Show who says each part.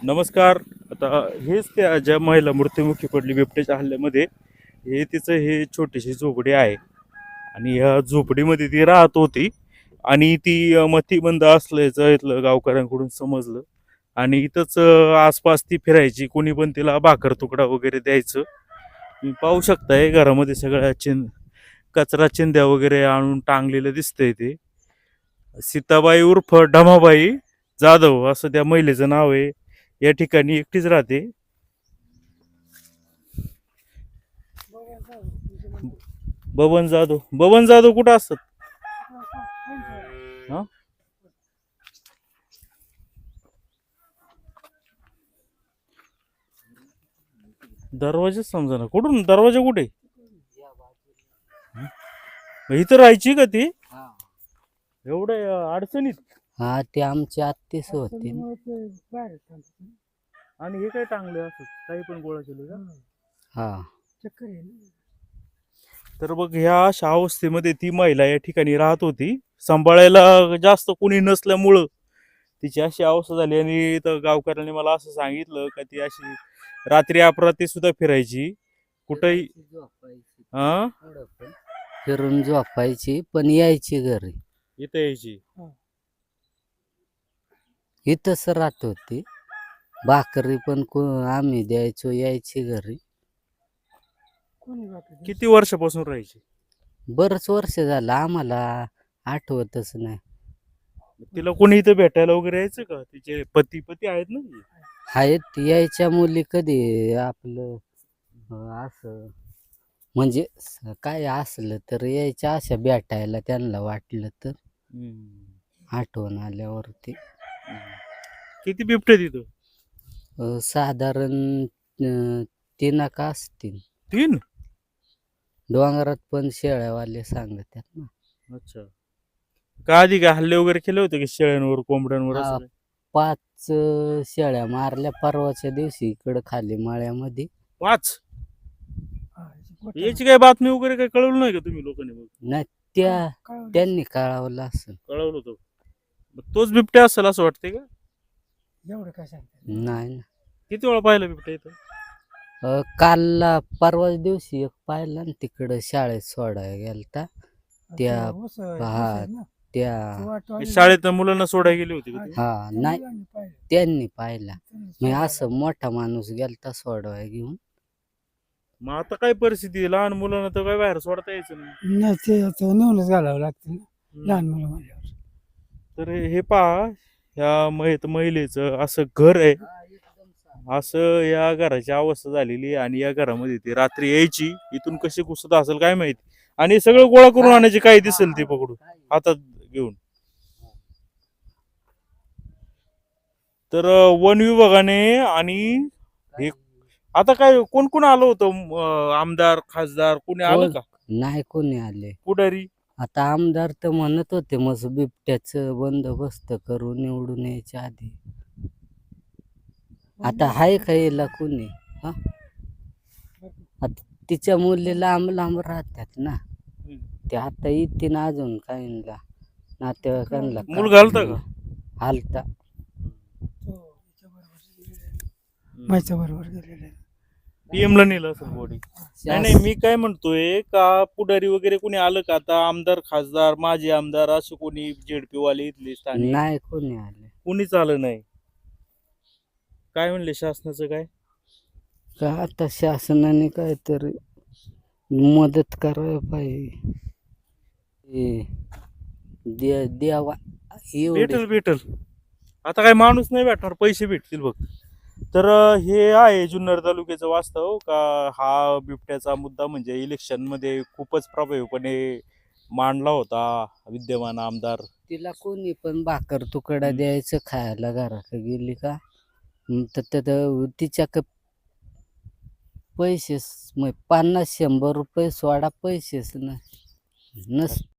Speaker 1: नमस्कार. आता हेच त्या ज्या महिला मृत्युमुखी पडली बिबट्याच्या हल्ल्यामध्ये, हे तिचं हे छोटीशी झोपडी आहे आणि ह्या झोपडीमध्ये ती राहत होती आणि ती मतिमंद असल्याचं इथलं गावकऱ्यांकडून समजलं आणि इथंच आसपास ती फिरायची. कोणी पण तिला भाकर तुकडा वगैरे द्यायचं. तुम्ही पाहू शकताय घरामध्ये सगळ्या कचरा चिंध्या वगैरे आणून टांगलेलं दिसतंय ते. सीताबाई उर्फ ढमाबाई जाधव असं त्या महिलेचं नाव आहे. या ठिकाणी एकटीच राहते. बबन जाधव कुठं असतात? हा, दरवाजाच समजा ना कुठून दरवाजा कुठे? इथं राहायची का ती एवढ्या अडचणीत?
Speaker 2: हा ते आमची आत्तीच होती.
Speaker 1: आणि हे काय टांगले असं काही पण गोळा केले का?
Speaker 2: हा
Speaker 1: तर बघ ह्या अशा अवस्थेमध्ये ती महिला या ठिकाणी राहत होती. सांभाळायला जास्त कोणी नसल्यामुळं तिची अशी अवस्था झाली. आणि तर गावकऱ्यांनी मला असं सांगितलं का ती अशी रात्री अपरात्री सुद्धा फिरायची कुठंही. हा,
Speaker 2: फिरून झोपायची पण यायची घरी.
Speaker 1: इथं यायची.
Speaker 2: इथंच राहत होती. भाकरी पण आम्ही द्यायचो, यायची घरी.
Speaker 1: किती वर्षापासून राहायची?
Speaker 2: बरंच वर्ष झालं, आम्हाला आठवतच नाही.
Speaker 1: तिला कोणी इथं भेटायला वगैरे यायचं का? तिचे पती आहेत ना?
Speaker 2: आहेत यायच्या मुली कधी आपलं असं म्हणजे काय असलं तर यायच्या अशा भेटायला, त्यांना वाटलं तर आठवण आल्यावरती.
Speaker 1: किती बिबटे तिथं?
Speaker 2: साधारण 3 का असतील.
Speaker 1: 3?
Speaker 2: डोंगरात पण शेळ्यावाले सांगतात ना.
Speaker 1: अच्छा. का आधी काय हल्ले वगैरे केले होते की शेळ्यांवर कोंबड्यांवर असं काही?
Speaker 2: 5 शेळ्या मारल्या परवाच्या दिवशी इकडं खाली माळ्यामध्ये.
Speaker 1: 5? याची काय बातमी वगैरे काय कळवलं नाही का तुम्ही लोकांनी? मग
Speaker 2: नाही त्यांनी कळवलं असं.
Speaker 1: कळवलं होतं. मग तोच बिबट्या असेल असं वाटतंय का?
Speaker 2: एवढं काय सांगतात नाही ना.
Speaker 1: किती वेळा पाहिलं बिबट्या इथं?
Speaker 2: कालला परवाच्या दिवशी एक पाहिला ना, तिकडं शाळेत सोडायला गेलता त्या
Speaker 1: शाळेत मुलांना सोडायला गेली होती का ती?
Speaker 2: हा नाही त्यांनी पाहिला. मग असं मोठा माणूस गेलता सोडवाय घेऊन.
Speaker 1: मग आता काय परिस्थिती आहे? लहान मुलांना तर काय बाहेर सोडता यायचं नाही.
Speaker 3: नाही, ते आता नेऊनच घालावं लागतं ना लहान मुलं म्हणल्यावर.
Speaker 1: तर हे पहा, ह्या महिलेचं असं घर आहे. असं या घराची अवस्था झालेली आहे. आणि या घरामध्ये ती रात्री यायची. इथून कशी घुसत असेल काय माहिती. आणि सगळं गोळा करून आणायची, काय दिसेल ते पकडून हातात घेऊन. तर वन विभागाने आणि हे आता काय कोण कोण आलं होतं? आमदार खासदार कोणी आलं का?
Speaker 2: नाही कोणी आले.
Speaker 1: पुढारी?
Speaker 2: आता आमदार तर म्हणत होते मग बिबट्याचं बंदोबस्त करून निवडून यायच्या आधी. आता हाय खायला कोणी? हा, आता तिच्या मुली लांब लांब राहतात ना. ते आता येतील अजून काहींना नातेवाईकांना.
Speaker 1: मुलगा आलता का?
Speaker 2: आलता.
Speaker 3: माझ्या बरोबर गेलेले.
Speaker 1: PM ला नेलं असं बॉडी. नाही नाही, मी काय म्हणतोय का पुढारी वगैरे कोणी आलं का? आता आमदार खासदार माजी आमदार असं कोणी ZP वाले इथले स्थानिक
Speaker 2: नाही कोणी आले.
Speaker 1: कोणीच आलं नाही. काय म्हणले शासनाचं काय?
Speaker 2: का आता शासनाने काहीतरी मदत करायला पाहिजे. द्यावा एवढे.
Speaker 1: भेटल. आता काय माणूस नाही भेटणार, पैसे भेटतील बघ. तर हे आहे जुन्नर तालुक्याचं वास्तव का हा बिबट्याचा मुद्दा म्हणजे इलेक्शन मध्ये खूपच प्रभावीपणे मांडला होता विद्यमान आमदार.
Speaker 2: तिला कोणी पण भाकर तुकडा द्यायचं खायला घराकडे गेली का, तर तिच्या पैसेच 50-100 रुपये सोडा पैसेच नस